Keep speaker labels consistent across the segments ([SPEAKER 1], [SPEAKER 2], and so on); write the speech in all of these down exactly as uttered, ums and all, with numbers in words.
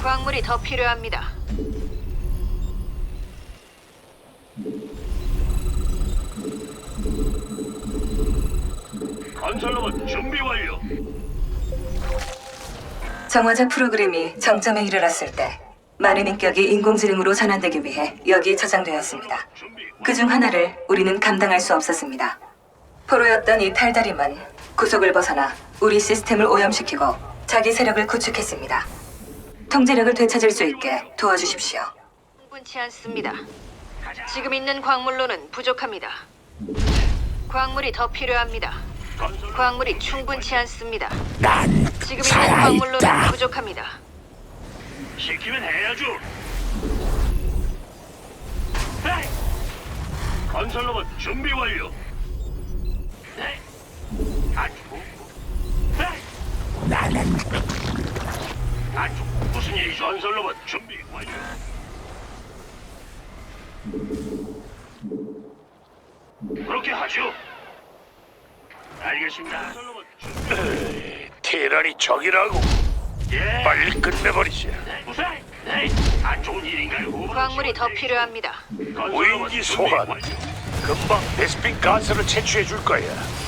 [SPEAKER 1] 광물이 더 필요합니다.
[SPEAKER 2] 건설로봇 준비 완료.
[SPEAKER 3] 정화자 프로그램이 정점에 이르렀을 때 많은 인격이 인공지능으로 전환되기 위해 여기에 저장되었습니다. 그 중 하나를 우리는 감당할 수 없었습니다. 포로였던 이 탈다림은 구속을 벗어나 우리 시스템을 오염시키고 자기 세력을 구축했습니다. 통제력을 되찾을 수 있게 도와주십시오.
[SPEAKER 1] 충분치 않습니다. 지금 있는 광물로는 부족합니다. 광물이 더 필요합니다. 광물이 충분치 않습니다.
[SPEAKER 4] 난
[SPEAKER 1] 지금 있는
[SPEAKER 4] 살아있다.
[SPEAKER 1] 광물로는 부족합니다.
[SPEAKER 2] 시키면 해야죠. 에이! 건설로봇 준비 완료. 네. 아주. 에이!
[SPEAKER 4] 나는
[SPEAKER 2] 아주 무슨 일이죠? 건설로봇 준비 완료. 그렇게 하죠. 알겠습니다. 건설로봇 준비.
[SPEAKER 4] 테란이 적이라고.
[SPEAKER 2] 예.
[SPEAKER 4] 빨리 끝내버리자.
[SPEAKER 2] 네. 무슨? 네. 안 좋은 일인가요?
[SPEAKER 1] 광물이 더 필요합니다.
[SPEAKER 2] 건설로봇
[SPEAKER 4] 무인기
[SPEAKER 2] 준비
[SPEAKER 4] 소환.
[SPEAKER 2] 완료.
[SPEAKER 4] 금방 베스핀 가스를 채취해 줄 거야.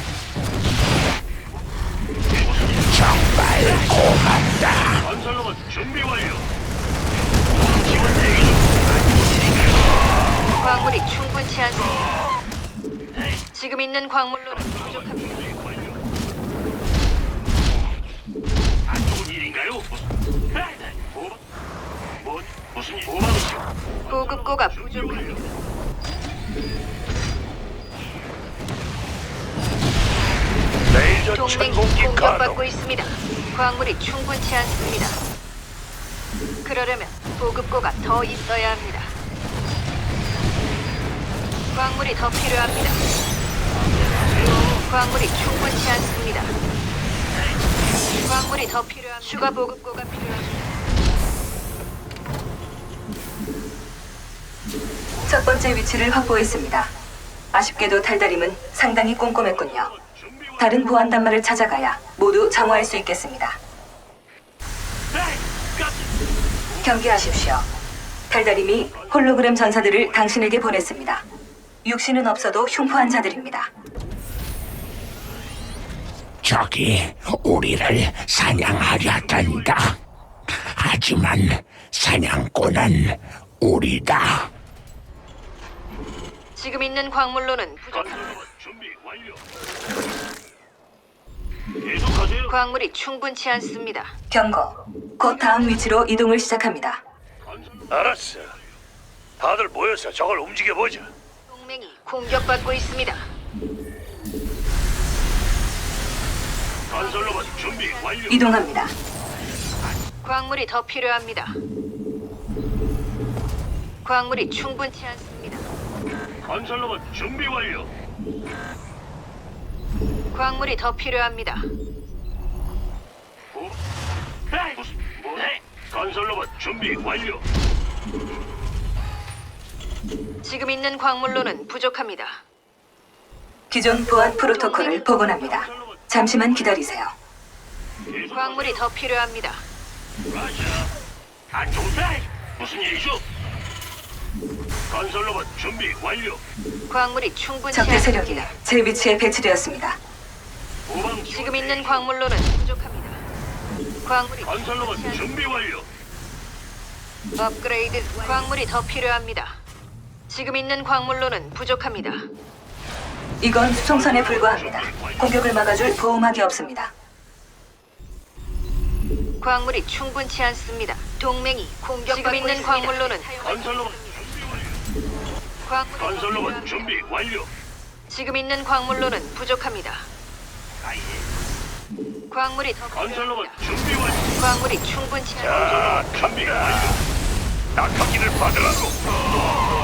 [SPEAKER 4] 정말 고맙다.
[SPEAKER 2] 건설로봇 준비 완료. 지원 대기 중.
[SPEAKER 1] 광물이 충분치 않습니다. 지금 있는 광물로는 부족합니다.
[SPEAKER 2] 안 좋은 일인가요? 무슨? 네. 뭐? 뭐? 무슨 일? 뭐방이죠?
[SPEAKER 1] 보급고가 부족합니다.
[SPEAKER 4] 레이저
[SPEAKER 1] 동맹이
[SPEAKER 4] 천공기
[SPEAKER 1] 공격받고
[SPEAKER 4] 가동.
[SPEAKER 1] 있습니다. 광물이 충분치 않습니다. 그러려면 보급고가 더 있어야 합니다. 광물이 더 필요합니다. 광물이 충분치 않습니다. 광물이 더 필요합니다. 추가 보급고가 필요합니다.
[SPEAKER 3] 첫 번째 위치를 확보했습니다. 아쉽게도 탈다림은 상당히 꼼꼼했군요. 다른 보안 단말을 찾아가야 모두 정화할 수 있겠습니다. 경계하십시오. 탈다림이 홀로그램 전사들을 당신에게 보냈습니다. 육신은 없어도 흉포한 자들입니다.
[SPEAKER 4] 적이 우리를 사냥하려 한다. 하지만 사냥꾼은 우리다.
[SPEAKER 1] 지금 있는 광물로는 부족합니다.
[SPEAKER 2] 건설로봇 준비 완료. 계속하세요.
[SPEAKER 1] 광물이 충분치 않습니다.
[SPEAKER 3] 경고. 곧 다음 위치로 이동을 시작합니다.
[SPEAKER 4] 알았어. 다들 모여서 저걸 움직여보자.
[SPEAKER 1] 동맹이 공격받고 있습니다.
[SPEAKER 2] 건설로봇 준비 완료.
[SPEAKER 3] 이동합니다.
[SPEAKER 1] 광물이 더 필요합니다. 광물이 충분치 않습니다.
[SPEAKER 2] 건설로봇 준비 완료.
[SPEAKER 1] 광물이 더 필요합니다.
[SPEAKER 2] 뭐? 에이, 무슨? 뭐? 네. 건설로봇 준비 완료.
[SPEAKER 1] 지금 있는 광물로는 부족합니다.
[SPEAKER 3] 기존 보안 프로토콜을 복원합니다. 잠시만 기다리세요.
[SPEAKER 2] 계속
[SPEAKER 1] 광물이 더 필요합니다.
[SPEAKER 2] 라자. 안 좋은 데 무슨 일이죠? 건설로봇 준비 완료.
[SPEAKER 1] 광물이 충분치
[SPEAKER 3] 적대 세력이
[SPEAKER 1] 않습니다.
[SPEAKER 3] 제 위치에 배치되었습니다.
[SPEAKER 2] 후방
[SPEAKER 1] 지금 있는 광물로는 부족합니다. 광물이
[SPEAKER 2] 건설로봇
[SPEAKER 1] 충분치
[SPEAKER 2] 준비 완료.
[SPEAKER 1] 않... 업그레이드 광물이 더 필요합니다. 지금 있는 광물로는 부족합니다.
[SPEAKER 3] 이건 수송선에 불과합니다. 공격을 막아줄 보호막이 없습니다.
[SPEAKER 1] 광물이 충분치 않습니다. 동맹이 공격받고 있는 광물로는
[SPEAKER 2] 건설로봇 준비 완료.
[SPEAKER 1] 광물이 더
[SPEAKER 2] 건설로봇
[SPEAKER 1] 필요합니다.
[SPEAKER 2] 준비 완료.
[SPEAKER 1] 지금 있는 광물로는 부족합니다.
[SPEAKER 2] 아예.
[SPEAKER 1] 광물이 더
[SPEAKER 2] 건설로봇
[SPEAKER 1] 필요합니다.
[SPEAKER 2] 준비 완료.
[SPEAKER 1] 광물이 충분치 않습니다.
[SPEAKER 4] 자,
[SPEAKER 2] 준비
[SPEAKER 4] 갑니다.
[SPEAKER 2] 완료.
[SPEAKER 4] 낙하기를 받으라고.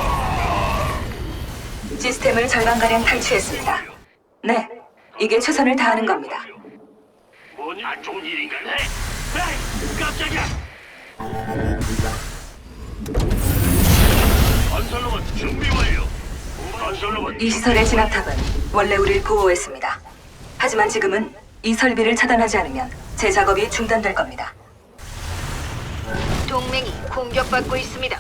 [SPEAKER 3] 시스템을 절반가량 탈취했습니다. 네, 이게 최선을 다하는 겁니다.
[SPEAKER 2] 뭐냐? 안 좋은 일인가? 네. 에이, 깜짝이야. 건설로봇 준비 완료. 건설로봇
[SPEAKER 3] 이 시설의 진압탑은 원래 우리를 보호했습니다. 하지만 지금은 이 설비를 차단하지 않으면 제 작업이 중단될 겁니다.
[SPEAKER 1] 동맹 동맹이 공격받고 있습니다.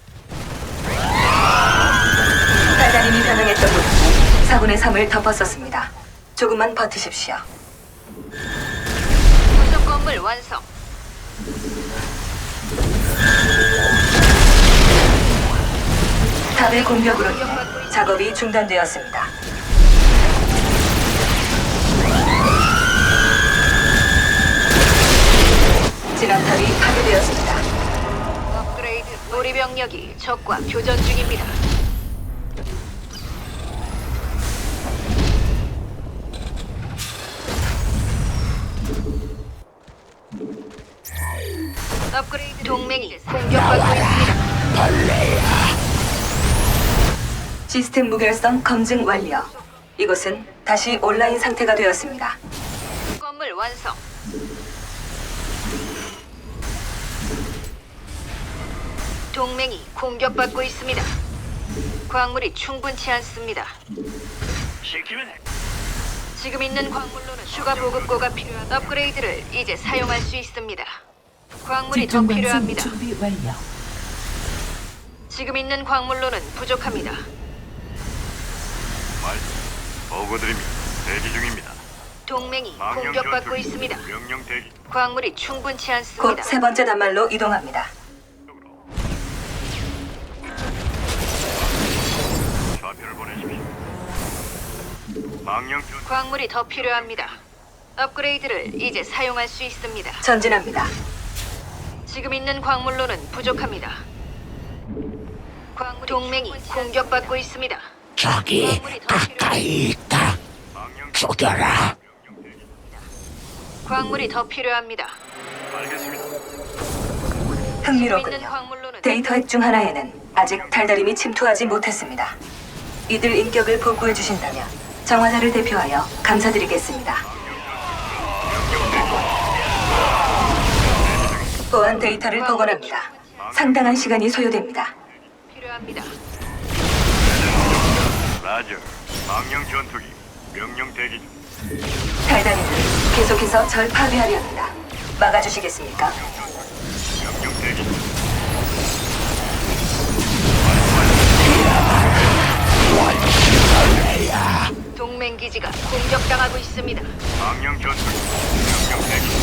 [SPEAKER 3] 달달님이 변형했던 부분은 사분의 삼을 덮었었습니다. 조금만 버티십시오.
[SPEAKER 1] 부속 건물 완성.
[SPEAKER 3] 탑의 공격으로 인해 작업이 중단되었습니다. 진압탑이 파괴되었습니다.
[SPEAKER 1] 업그레이드. 우리 병력이 적과 교전 중입니다. 업그레이드. 동맹이 공격받고 있습니다.
[SPEAKER 3] 시스템 무결성 검증 완료. 이곳은 다시 온라인 상태가 되었습니다.
[SPEAKER 1] 건물 완성. 동맹이 공격받고 있습니다. 광물이 충분치 않습니다.
[SPEAKER 2] 시키면 해.
[SPEAKER 1] 지금 있는 광물로는 추가 보급고가 필요한 업그레이드를 이제 사용할 수 있습니다. 광물이 더
[SPEAKER 5] 집중 방송
[SPEAKER 1] 필요합니다.
[SPEAKER 5] 준비 완료.
[SPEAKER 1] 지금 있는 광물로는 부족합니다.
[SPEAKER 6] 말 보고드립니다. 대기 중입니다.
[SPEAKER 1] 동맹이
[SPEAKER 6] 망령
[SPEAKER 1] 공격받고
[SPEAKER 6] 전투기.
[SPEAKER 1] 있습니다.
[SPEAKER 6] 명령 대기.
[SPEAKER 1] 광물이 충분치
[SPEAKER 3] 곧
[SPEAKER 1] 않습니다.
[SPEAKER 3] 세 번째 단말로 이동합니다.
[SPEAKER 6] 좌표를 보내십시오. 망령 전
[SPEAKER 1] 광물이 더 필요합니다. 업그레이드를 이제 사용할 수 있습니다.
[SPEAKER 3] 전진합니다.
[SPEAKER 1] 지금 있는 광물로는 부족합니다. 광물 동맹이 공격받고 있습니다.
[SPEAKER 4] 저기 가까이 있다.
[SPEAKER 6] 망령
[SPEAKER 4] 죽여라.
[SPEAKER 6] 명령 대기.
[SPEAKER 1] 광물이 더 필요합니다.
[SPEAKER 6] 알겠습니다.
[SPEAKER 3] 흥미롭군요.
[SPEAKER 1] 있는 광물로는
[SPEAKER 3] 데이터 핵 중 하나에는 아직 달달임이 침투하지 못했습니다. 이들 인격을 복구해 주신다면 정화자를 대표하여 감사드리겠습니다. 보안 데이터를 복원합니다. 상당한 시간이 소요됩니다.
[SPEAKER 1] 필요합니다.
[SPEAKER 6] 라저. 망령 전투기. 명령 대기 중.
[SPEAKER 3] 달달임은 계속해서 절 파괴하려 합니다. 막아주시겠습니까?
[SPEAKER 6] 명령 대기 중.
[SPEAKER 1] 동맹 기지가 공격당하고 있습니다.
[SPEAKER 6] 망령 전투기. 명령 대기 중.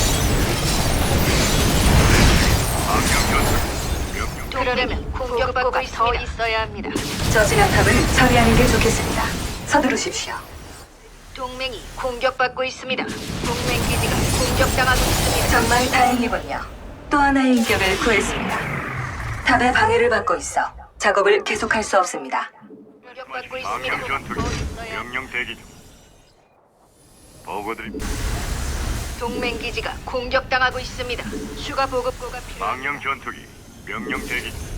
[SPEAKER 6] 망령 전투기. 명령
[SPEAKER 1] 그러려면 공격받고 더 있어야 합니다.
[SPEAKER 3] 저 진압탑을 처리하는 게 좋겠습니다. 서두르십시오.
[SPEAKER 1] 동맹이 공격받고 있습니다. 동맹 기지가 공격당하고 있습니다.
[SPEAKER 3] 정말 다행이군요. 또 하나의 인격을 구했습니다. 탑의 방해를 받고 있어 작업을 계속할 수 없습니다.
[SPEAKER 1] 공격받고
[SPEAKER 6] 망령
[SPEAKER 1] 있습니다.
[SPEAKER 6] 전투기.
[SPEAKER 1] 더 있어야
[SPEAKER 6] 명령 대기 중. 보고드립니다.
[SPEAKER 1] 동맹 기지가 공격당하고 있습니다. 추가 보급고가 필요합니다.
[SPEAKER 6] 망령 전투기. 명령 대기 중.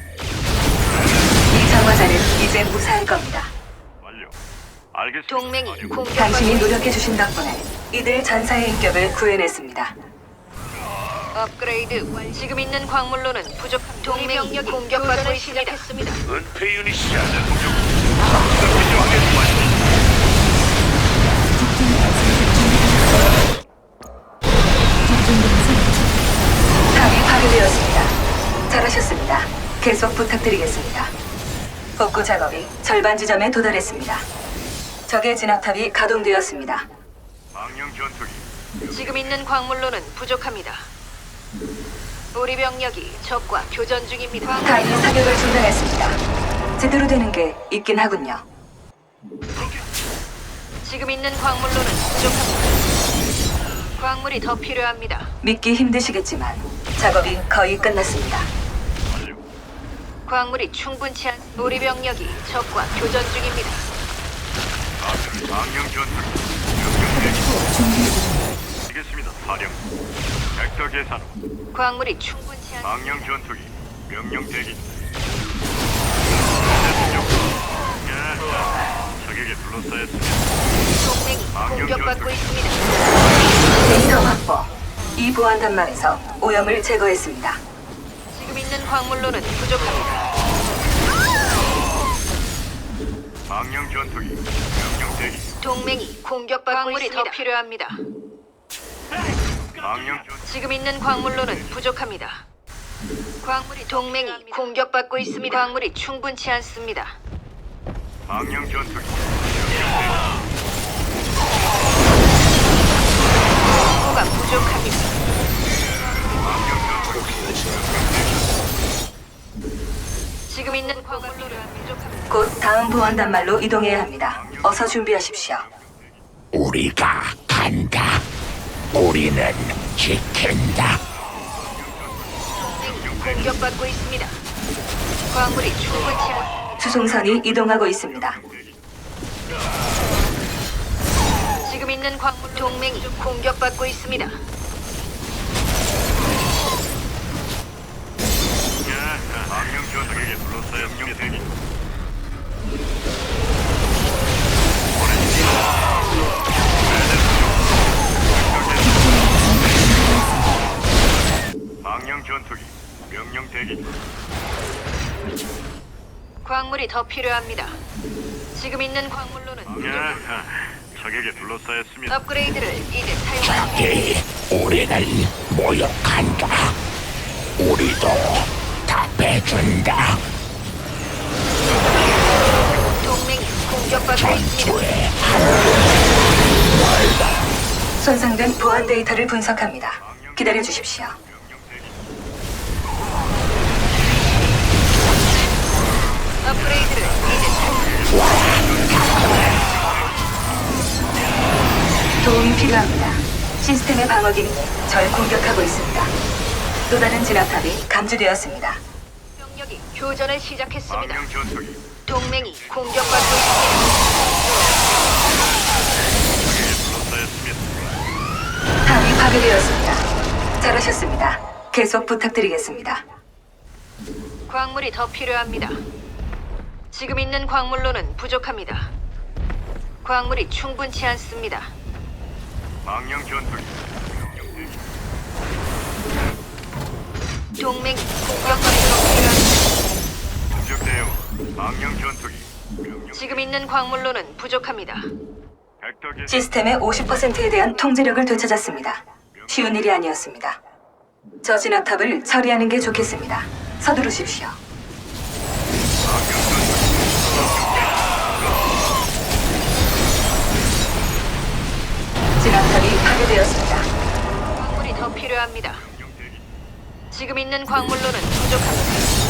[SPEAKER 3] 이 정화자는 이제 무사할 겁니다.
[SPEAKER 6] 완료. 알겠습니다.
[SPEAKER 1] 동맹이
[SPEAKER 6] 완료.
[SPEAKER 1] 공격받고
[SPEAKER 3] 당신이
[SPEAKER 1] 있습니다.
[SPEAKER 3] 노력해 주신 덕분에 이들 전사의 인격을 구해냈습니다.
[SPEAKER 1] 업그레이드 완. 지금 있는 광물로는 부족한 동맹이 공격받고 시작했습니다.
[SPEAKER 4] 은폐 유닛이야.
[SPEAKER 3] 탑이 파괴되었습니다. 잘하셨습니다. 계속 부탁드리겠습니다. 복구 작업이 절반 지점에 도달했습니다. 적의 진압탑이 가동되었습니다.
[SPEAKER 6] 망령 전투기.
[SPEAKER 1] 지금 있는 광물로는 부족합니다. 우리 병력이 적과 교전 중입니다.
[SPEAKER 3] 탑이 사격을 중단했습니다. 제대로 되는 게 있긴 하군요.
[SPEAKER 1] 지금 있는 광물로는 부족합니다. 광물이 더 필요합니다.
[SPEAKER 3] 믿기 힘드시겠지만 작업이 거의 끝났습니다.
[SPEAKER 6] 완료.
[SPEAKER 1] 광물이 충분치 않. 우리 병력이 적과 교전 중입니다.
[SPEAKER 6] 망령 전투기. 명령 대기 중.
[SPEAKER 5] 준비 완료.
[SPEAKER 6] 알겠습니다. 사령. 벡터 계산.
[SPEAKER 1] 광물이 충분치 않.
[SPEAKER 6] 망령 전투기. 명령 대기 중. 예. 적에게 둘러싸였습니다.
[SPEAKER 1] 동맹이 공격받고 있습니다.
[SPEAKER 3] 데이터 확보. 이 보안 단말에서 오염을 제거했습니다.
[SPEAKER 1] 지금 있는 광물로는 부족합니다.
[SPEAKER 6] 망령 전투기. 명령 대기 중.
[SPEAKER 1] 동맹이 공격받고 광물이 있습니다. 더 필요합니다.
[SPEAKER 6] 망령 전투기.
[SPEAKER 1] 지금 있는 광물로는 부족합니다. 광물이 동맹이 공격받고 있습니다. 광물이 충분치 않습니다.
[SPEAKER 6] 망령 전투기.
[SPEAKER 1] 보고가 부족합니다. 지금 있는 광물로는 부족합니다.
[SPEAKER 3] 곧 다음 보안 단말로 이동해야 합니다. 어서 준비하십시오.
[SPEAKER 4] 우리가 간다. 우리는 지킨다.
[SPEAKER 1] 동맹이 공격받고 있습니다. 광물이 충분치 않.
[SPEAKER 3] 수송선이 이동하고 있습니다.
[SPEAKER 1] 지금 있는 광물 동맹이 공격받고 있습니다.
[SPEAKER 6] 망령 전투기에 불러싸여 명령 대기. 망령 전투기 명령 대기.
[SPEAKER 1] 광물이 더 필요합니다. 지금 있는 광물로는 부족합니다.
[SPEAKER 6] 적에게 둘러싸였습니다.
[SPEAKER 1] 업그레이드를 이제 사용할
[SPEAKER 4] 적이 우리를 모욕한다. 우리도 답해준다.
[SPEAKER 1] 동맹이 공격받고 있습니다.
[SPEAKER 4] 전투에
[SPEAKER 3] 손상된 보안 데이터를 분석합니다. 기다려 주십시오.
[SPEAKER 1] 업그레이드를 이제 사용.
[SPEAKER 3] 도움이 필요합니다. 시스템의 방어 기능이 절 공격하고 있습니다. 또 다른 진압탑이 감지되었습니다.
[SPEAKER 1] 병력이 교전을 시작했습니다.
[SPEAKER 6] 망령 전투기
[SPEAKER 1] 동맹이 공격받고 있습니다.
[SPEAKER 6] 둘러싸였습니다.
[SPEAKER 3] 탑이 파괴되었습니다. 잘하셨습니다. 계속 부탁드리겠습니다.
[SPEAKER 1] 광물이 더 필요합니다. 지금 있는 광물로는 부족합니다. 광물이 충분치 않습니다.
[SPEAKER 6] 망령 전투기 명령 대기.
[SPEAKER 1] 동맹이 공격받고 필요합니다.
[SPEAKER 6] 공격 대응. 망령 전투기 명령.
[SPEAKER 1] 지금 있는 광물로는 부족합니다.
[SPEAKER 6] 벡터 개.
[SPEAKER 3] 시스템의 오십 퍼센트에 대한 통제력을 되찾았습니다. 쉬운 일이 아니었습니다. 저 진압탑을 처리하는 게 좋겠습니다. 서두르십시오. 진압탑이 파괴되었습니다.
[SPEAKER 1] 광물이 더 필요합니다. 지금 있는 광물로는 부족합니다.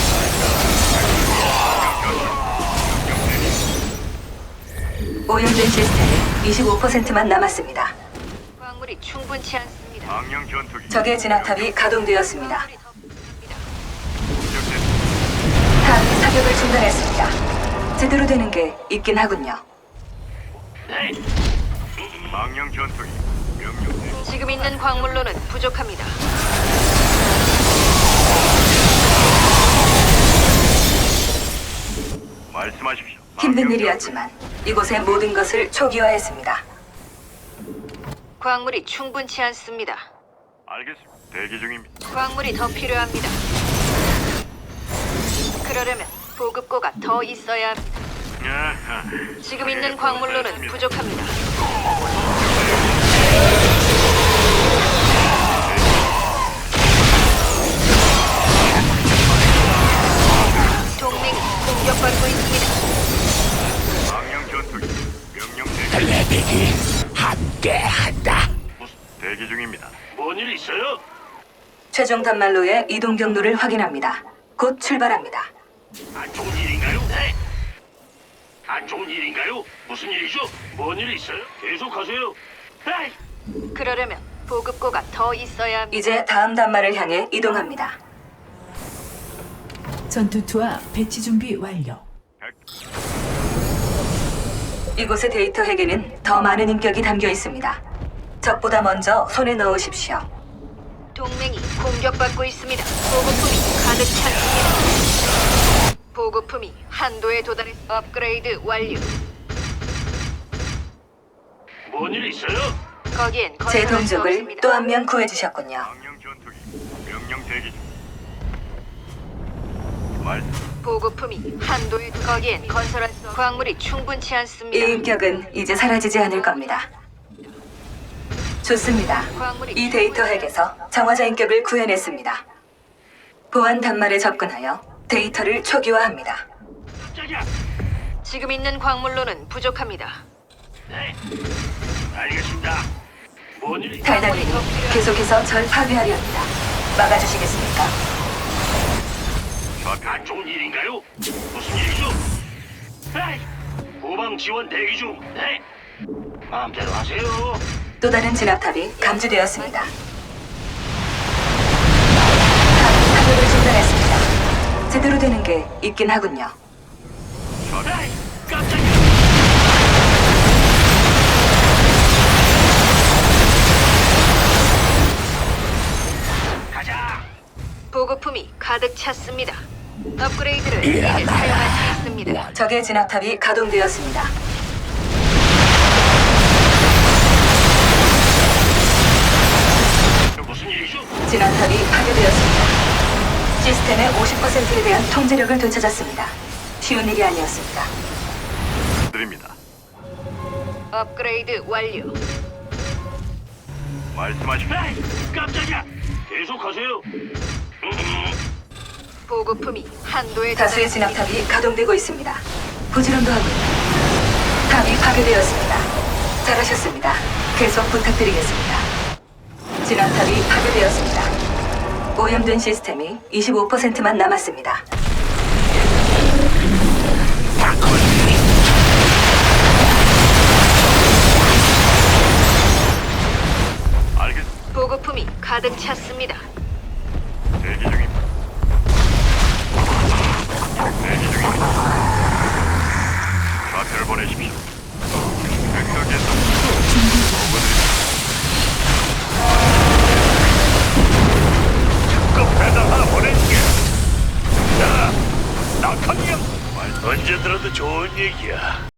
[SPEAKER 3] 오염된 시스템이 이십오 퍼센트만 남았습니다.
[SPEAKER 1] 광물이 충분치 않습니다.
[SPEAKER 6] 망령 전투기.
[SPEAKER 3] 적의 진압탑이 가동되었습니다.
[SPEAKER 1] 광물이 더 필요합니다.
[SPEAKER 6] 공격 대응.
[SPEAKER 3] 탑이 사격을 중단했습니다. 제대로 되는 게 있긴 하군요.
[SPEAKER 2] 네.
[SPEAKER 6] 망령 전투기 명령 대기.
[SPEAKER 1] 지금 있는 광물로는 부족합니다.
[SPEAKER 6] 말씀하십시오.
[SPEAKER 3] 힘든
[SPEAKER 6] 망령
[SPEAKER 3] 일이었지만 이곳의 모든 것을 초기화했습니다.
[SPEAKER 1] 광물이 충분치 않습니다.
[SPEAKER 6] 알겠습니다. 대기 중입니다.
[SPEAKER 1] 광물이 더 필요합니다. 그러려면 보급고가 더 있어야 합니다.
[SPEAKER 6] 아하.
[SPEAKER 1] 지금 있는 광물로는 부족합니다. 동맹이 공격받고 있습니다.
[SPEAKER 6] 망령 전투기 명령 대기.
[SPEAKER 4] 레벨이 함께한다.
[SPEAKER 6] 무슨 대기 중입니다.
[SPEAKER 2] 뭔 일 있어요?
[SPEAKER 3] 최종 단말로의 이동 경로를 확인합니다. 곧 출발합니다.
[SPEAKER 2] 안 좋은 일인가요? 네. 안 좋은 일인가요? 무슨 일이죠? 뭔 일 있어요? 계속하세요. 에이.
[SPEAKER 1] 그러려면 보급고가 더 있어야 합니다.
[SPEAKER 3] 이제 다음 단말을 향해 이동합니다.
[SPEAKER 5] 전투투와 배치 준비 완료.
[SPEAKER 3] 이곳의 데이터 핵에는 더 많은 인격이 담겨 있습니다. 적보다 먼저 손에 넣으십시오.
[SPEAKER 1] 동맹이 공격받고 있습니다. 보급품이 가득 찼습니다. 보급품이 한도에 도달해 업그레이드 완료.
[SPEAKER 2] 뭔 일 있어요?
[SPEAKER 1] 거기엔
[SPEAKER 3] 제
[SPEAKER 1] 건설할 수
[SPEAKER 3] 동족을
[SPEAKER 1] 없습니다.
[SPEAKER 3] 또 한 명 구해주셨군요.
[SPEAKER 6] 망령 전투기 명령 대기 중. 말씀.
[SPEAKER 1] 보급품이 한도에 도- 거기엔 건설할 수 없... 광물이 충분치
[SPEAKER 3] 이
[SPEAKER 1] 않습니다.
[SPEAKER 3] 인격은 이제 사라지지 않을 겁니다. 좋습니다. 이 데이터 핵에서 정화자 인격을 구해냈습니다. 보안 단말에 접근하여 데이터를 초기화합니다.
[SPEAKER 2] 깜짝이야.
[SPEAKER 1] 지금 있는 광물로는 부족합니다.
[SPEAKER 2] 네. 알겠습니다. 뭔 일이?
[SPEAKER 3] 달달님, 계속해서 절 파괴하려 합니다. 막아주시겠습니까?
[SPEAKER 2] 안 좋은 일인가요? 무슨 일이죠? 에이, 후방 지원 대기 중. 네. 마음대로 하세요.
[SPEAKER 3] 또 다른 진압탑이 감지되었습니다. 탑이 사격을 중단했습니다. 제대로 되는 게 있긴 하군요.
[SPEAKER 2] 에이, 깜짝이야. 가자.
[SPEAKER 1] 보급품이 가득 찼습니다. 업그레이드를 이제 사용할 수 있습니다.
[SPEAKER 3] 적의 진압탑이 가동되었습니다.
[SPEAKER 2] 무슨 일이죠?
[SPEAKER 3] 진압탑이 파괴되었습니다. 시스템의 오십 퍼센트에 대한 통제력을 되찾았습니다. 쉬운 일이 아니었습니다.
[SPEAKER 6] 드립니다.
[SPEAKER 1] 업그레이드 완료.
[SPEAKER 6] 말씀하십시오.
[SPEAKER 2] 에이, 깜짝이야. 계속하세요. 음,
[SPEAKER 1] 보급품이 한도에
[SPEAKER 3] 다수의
[SPEAKER 1] 달했습니다.
[SPEAKER 3] 진압탑이 가동되고 있습니다. 부지런도 하군요. 탑이 파괴되었습니다. 잘하셨습니다. 계속 부탁드리겠습니다. 진압탑이 파괴되었습니다. 오염된 시스템이 이십오 퍼센트만 남았습니다.
[SPEAKER 6] 알겠습니다.
[SPEAKER 1] 보급품이 가득 찼습니다.
[SPEAKER 6] 대기 중입니다. 대기 중입니다. 좌표를 보내십시오. 백석에서 특급 배달 하나 보낼게. 자, 낙하니야. 언제 들어도 좋은 얘기야.